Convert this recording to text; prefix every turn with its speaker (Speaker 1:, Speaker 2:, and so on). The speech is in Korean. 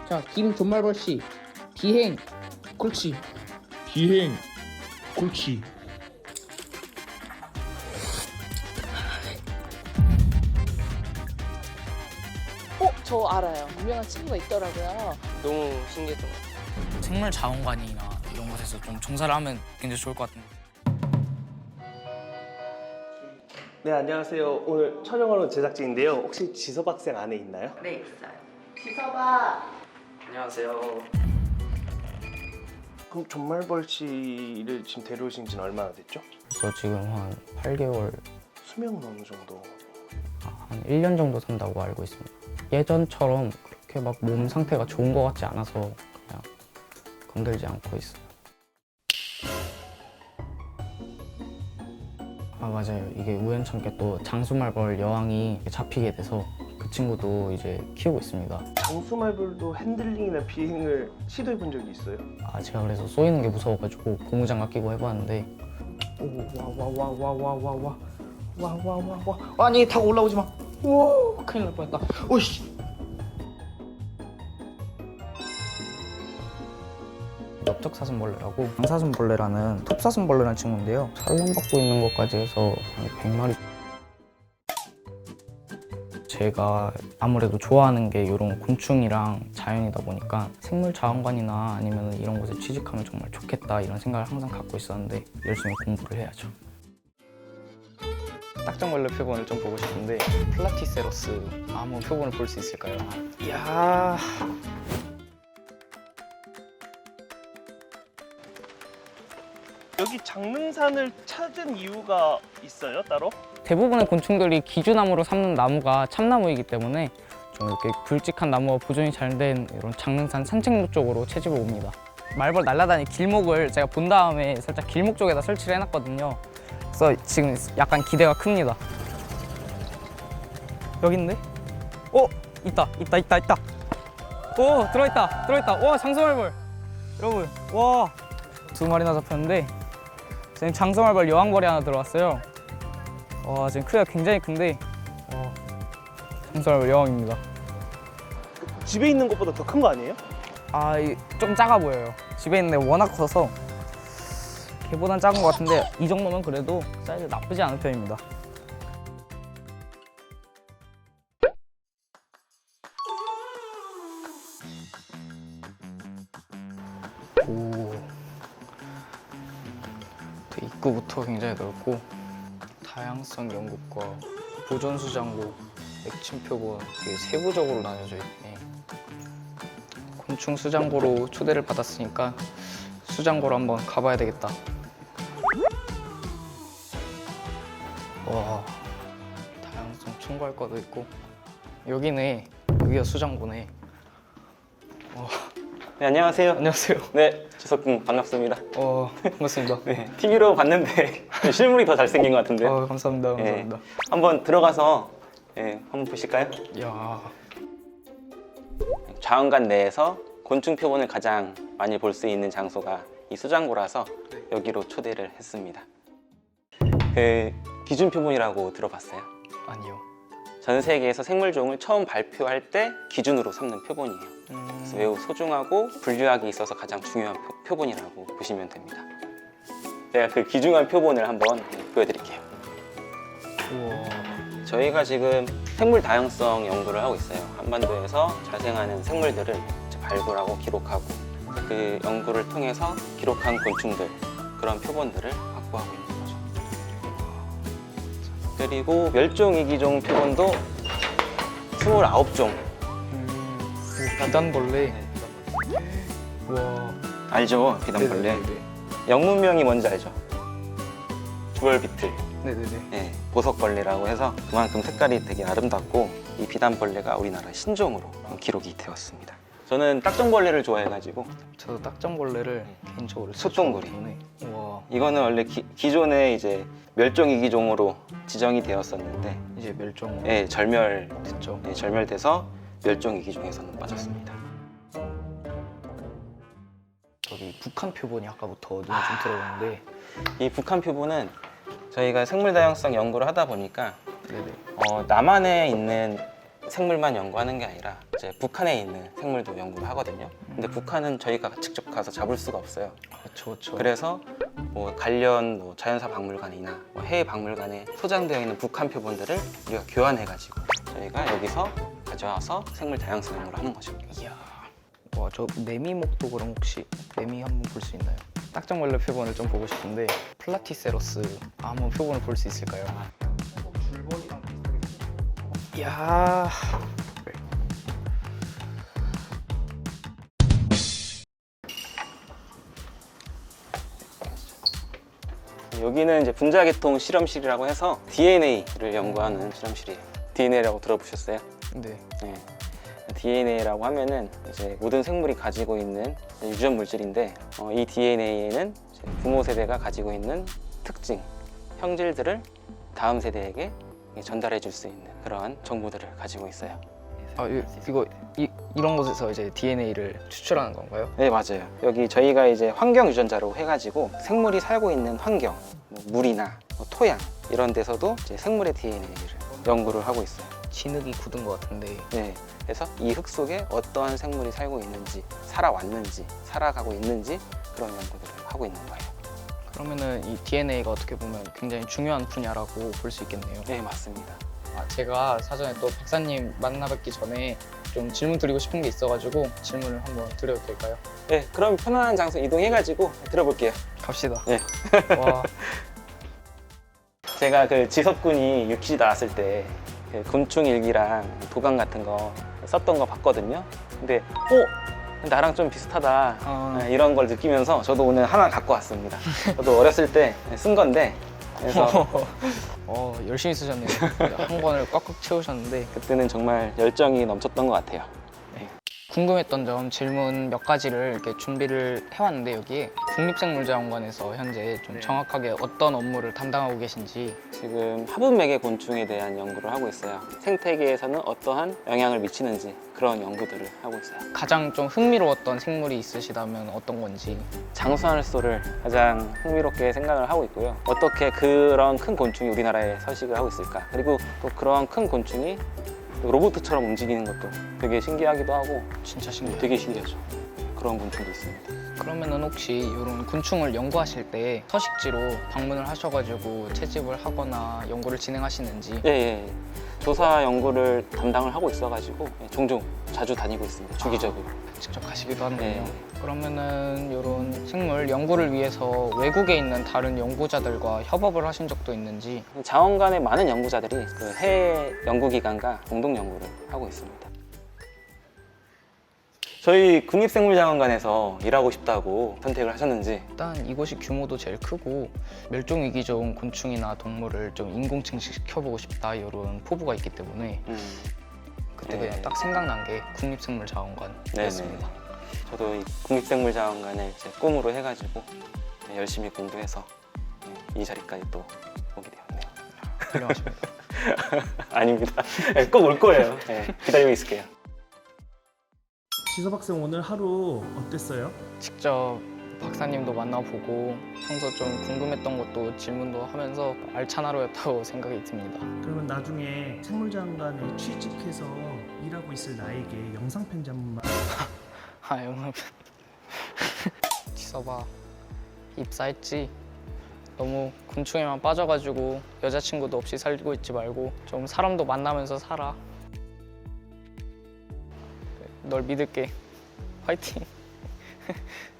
Speaker 1: 자, 김존말벌 씨, 비행. 그렇지.
Speaker 2: 비행. 그렇지.
Speaker 3: 저 알아요. 유명한 친구가 있더라고요.
Speaker 4: 너무 신기했던 것 같아요.
Speaker 5: 생물 자원관이나 이런 곳에서 좀 종사를 하면 굉장히 좋을 것 같은데.
Speaker 4: 네, 안녕하세요. 오늘 촬영하러 제작진인데요. 혹시 지섭 학생 안에 있나요?
Speaker 6: 네, 있어요.
Speaker 3: 지섭아.
Speaker 4: 안녕하세요. 그럼 존말벌 씨를 지금 데려오신 지는 얼마나 됐죠?
Speaker 7: 그래서 지금 한 8개월,
Speaker 4: 수명은 어느 정도?
Speaker 7: 한 1년 정도 산다고 알고 있습니다. 예전처럼 그렇게 막 몸 상태가 좋은 것 같지 않아서 그냥 건들지 않고 있어요. 아, 맞아요. 이게 우연찮게 또 장수말벌 여왕이 잡히게 돼서 그 친구도 이제 키우고 있습니다.
Speaker 4: 장수말벌도 핸들링이나 비행을 시도해 본 적이 있어요?
Speaker 7: 아, 제가 그래서 쏘이는 게 무서워가지고 고무장갑 끼고 해봤는데
Speaker 1: 와와와와와와와와와와 아니 타고 올라오지 마. 오, 큰일 날 뻔했다. 오씨.
Speaker 7: 넓적사슴벌레라고 방사슴벌레라는 톱사슴벌레라는 친구인데요. 산란받고 있는 것까지 해서 한 100마리. 제가 아무래도 좋아하는 게 이런 곤충이랑 자연이다 보니까 생물자원관이나 아니면 이런 곳에 취직하면 정말 좋겠다 이런 생각을 항상 갖고 있었는데 열심히 공부를 해야죠.
Speaker 8: 딱정벌레 표본을 좀 보고 싶은데 플라티세로스 한번 표본을 볼 수 있을까요?
Speaker 4: 이야. 여기 장릉산을 찾은 이유가 있어요, 따로?
Speaker 7: 대부분의 곤충들이 기주나무로 삼는 나무가 참나무이기 때문에 좀 이렇게 굵직한 나무와 보존이 잘 된 이런 장릉산 산책로 쪽으로 채집을 옵니다. 말벌 날아다니는 길목을 제가 본 다음에 살짝 길목 쪽에다 설치를 해놨거든요. 그래서 지금 약간 기대가 큽니다. 여기 있는데? 있다. 들어있다. 와, 장수말벌. 여러분, 와. 2마리나 잡혔는데 지금 장수말벌 여왕벌이 하나 들어왔어요. 와, 지금 크기가 굉장히 큰데 장수말벌 여왕입니다.
Speaker 4: 집에 있는 것보다 더 큰 거 아니에요?
Speaker 7: 아, 좀 작아 보여요. 집에 있는데 워낙 커서 걔보단 작은 것 같은데 이 정도면 그래도 사이즈 나쁘지 않은 편입니다.
Speaker 8: 오, 입구부터 굉장히 넓고 다양성 연구과 보존수장고, 액침 표본 되게 세부적으로 나뉘어져 있네. 곤충 수장고로 초대를 받았으니까 수장고로 한번 가봐야 되겠다. 와, 다양성 첨가할 거도 있고 여기네. 여기가 수장고네.
Speaker 9: 네, 안녕하세요.
Speaker 8: 안녕하세요.
Speaker 9: 네, 지석군 반갑습니다.
Speaker 8: 반갑습니다.
Speaker 9: 네, TV로 봤는데 실물이 더 잘생긴 것 같은데.
Speaker 8: 감사합니다. 감사합니다.
Speaker 9: 한번 들어가서 한번 보실까요?
Speaker 8: 이야,
Speaker 9: 자원관 내에서 곤충 표본을 가장 많이 볼 수 있는 장소가 이 수장고라서 여기로 초대를 했습니다. 그 기준 표본이라고 들어봤어요?
Speaker 8: 아니요.
Speaker 9: 전 세계에서 생물종을 처음 발표할 때 기준으로 삼는 표본이에요. 그래서 매우 소중하고 분류학에 있어서 가장 중요한 표본이라고 보시면 됩니다. 제가 그 귀중한 표본을 한번 보여드릴게요.
Speaker 8: 우와.
Speaker 9: 저희가 지금 생물 다양성 연구를 하고 있어요. 한반도에서 자생하는 생물들을 이제 발굴하고 기록하고 그 연구를 통해서 기록한 곤충들, 그런 표본들을 확보하고 있는 거죠. 그리고 멸종위기종 표본도 29종.
Speaker 8: 비단벌레. 와.
Speaker 9: 알죠? 비단벌레.
Speaker 8: 네네네.
Speaker 9: 영문명이 뭔지 알죠? 주얼비틀.
Speaker 8: 네네네.
Speaker 9: 네, 보석벌레라고 해서 그만큼 색깔이 되게 아름답고 이 비단벌레가 우리나라 신종으로 기록이 되었습니다. 저는 딱정벌레를 좋아해가지고
Speaker 8: 저도 딱정벌레를 개인적으로
Speaker 9: 솥동굴이.
Speaker 8: 와.
Speaker 9: 이거는 원래 기존에 이제 멸종위기종으로 지정이 되었었는데
Speaker 8: 이제 멸종.
Speaker 9: 예,
Speaker 8: 됐죠.
Speaker 9: 절멸돼서 멸종위기종에서는 빠졌습니다.
Speaker 8: 저기 북한 표본이 아까부터 눈에 좀 들어오는데.
Speaker 9: 이 북한 표본은 저희가 생물 다양성 연구를 하다 보니까
Speaker 8: 네네.
Speaker 9: 남한에 있는 생물만 연구하는 게 아니라 이제 북한에 있는 생물도 연구를 하거든요. 근데 북한은 저희가 직접 가서 잡을 수가 없어요.
Speaker 8: 그렇죠.
Speaker 9: 그래서 뭐 관련 뭐 자연사 박물관이나 뭐 해외 박물관에 소장되어 있는 북한 표본들을 우리가 교환해가지고 저희가 여기서 가져와서 생물 다양성 연구를 하는 거죠.
Speaker 8: 이야. 와, 저 매미목도 그럼 혹시 매미 한번 볼 수 있나요? 딱정벌레 표본을 좀 보고 싶은데 플라티세로스 한번 표본을 볼 수 있을까요? 이야.
Speaker 9: 여기는 이제 분자계통 실험실이라고 해서 DNA를 연구하는 실험실이에요. DNA라고 들어보셨어요?
Speaker 8: 네.
Speaker 9: 네. DNA라고 하면은 이제 모든 생물이 가지고 있는 유전 물질인데 이 DNA에는 부모 세대가 가지고 있는 특징, 형질들을 다음 세대에게 전달해 줄 수 있는 그러한 정보들을 가지고 있어요.
Speaker 8: 아, 이런 곳에서 이제 DNA를 추출하는 건가요?
Speaker 9: 네, 맞아요. 여기 저희가 이제 환경 유전자로 해가지고 생물이 살고 있는 환경, 뭐 물이나 뭐 토양 이런 데서도 이제 생물의 DNA를 연구를 하고 있어요.
Speaker 8: 진흙이 굳은 것 같은데.
Speaker 9: 네, 그래서 이 흙 속에 어떠한 생물이 살고 있는지, 살아왔는지, 살아가고 있는지 그런 연구들을 하고 있는 거예요.
Speaker 8: 그러면은 이 DNA가 어떻게 보면 굉장히 중요한 분야라고 볼 수 있겠네요.
Speaker 9: 네, 맞습니다.
Speaker 8: 제가 사전에 또 박사님 만나뵙기 전에 좀 질문 드리고 싶은 게 있어가지고 질문을 한번 드려도 될까요?
Speaker 9: 네, 그럼 편안한 장소 이동해가지고 들어볼게요.
Speaker 8: 갑시다.
Speaker 9: 네.
Speaker 8: 와,
Speaker 9: 제가 그 지석군이 유퀴즈 나왔을 때그 곤충 일기랑 도감 같은 거 썼던 거 봤거든요. 근데 나랑 좀 비슷하다 네, 이런 걸 느끼면서 저도 오늘 하나 갖고 왔습니다. 저도 어렸을 때 쓴 건데 그래서
Speaker 8: 열심히 쓰셨네요. 한 권을 꽉꽉 채우셨는데.
Speaker 9: 그때는 정말 열정이 넘쳤던 것 같아요.
Speaker 8: 궁금했던 점 질문 몇 가지를 이렇게 준비를 해왔는데 여기에 국립생물자원관에서 현재 좀 정확하게 어떤 업무를 담당하고 계신지.
Speaker 9: 지금 화분맥의 곤충에 대한 연구를 하고 있어요. 생태계에서는 어떠한 영향을 미치는지 그런 연구들을 하고 있어요.
Speaker 8: 가장 좀 흥미로웠던 생물이 있으시다면 어떤 건지.
Speaker 9: 장수하늘소를 가장 흥미롭게 생각을 하고 있고요. 어떻게 그런 큰 곤충이 우리나라에 서식을 하고 있을까? 그리고 또 그런 큰 곤충이 로봇처럼 움직이는 것도 되게 신기하기도 하고
Speaker 8: 진짜 신기해요.
Speaker 9: 되게 신기하죠. 그런 곤충도 있습니다.
Speaker 8: 그러면은 혹시 이런 곤충을 연구하실 때 서식지로 방문을 하셔가지고 채집을 하거나 연구를 진행하시는지.
Speaker 9: 예. 조사 연구를 담당을 하고 있어가지고 종종 자주 다니고 있습니다. 주기적으로.
Speaker 8: 직접 가시기도 하는군요.
Speaker 9: 네.
Speaker 8: 그러면은 이런 생물 연구를 위해서 외국에 있는 다른 연구자들과 협업을 하신 적도 있는지.
Speaker 9: 자원관의 많은 연구자들이 그 해외 연구기관과 공동 연구를 하고 있습니다. 저희 국립생물자원관에서 일하고 싶다고 선택을 하셨는지.
Speaker 8: 일단 이곳이 규모도 제일 크고 멸종위기종 곤충이나 동물을 좀 인공증식시켜보고 싶다 이런 포부가 있기 때문에 그때
Speaker 9: 네.
Speaker 8: 그냥 딱 생각난 게 국립생물자원관이었습니다.
Speaker 9: 저도 이 국립생물자원관을 제 꿈으로 해가지고 열심히 공부해서 이 자리까지 또 오게 되었네요.
Speaker 8: 훌륭하십니다.
Speaker 9: 아닙니다. 꼭 올 거예요. 네, 기다리고 있을게요.
Speaker 2: 지섭 학생 오늘 하루 어땠어요?
Speaker 8: 직접 박사님도 만나보고 평소 좀 궁금했던 것도 질문도 하면서 알찬 하루였다고 생각이 듭니다.
Speaker 2: 그러면 나중에 생물자원관에 취직해서 일하고 있을 나에게 영상 편지 한 번만.
Speaker 8: 영상 지섭아, 입사했지? 너무 곤충에만 빠져가지고 여자친구도 없이 살고 있지 말고 좀 사람도 만나면서 살아. 널 믿을게. 화이팅.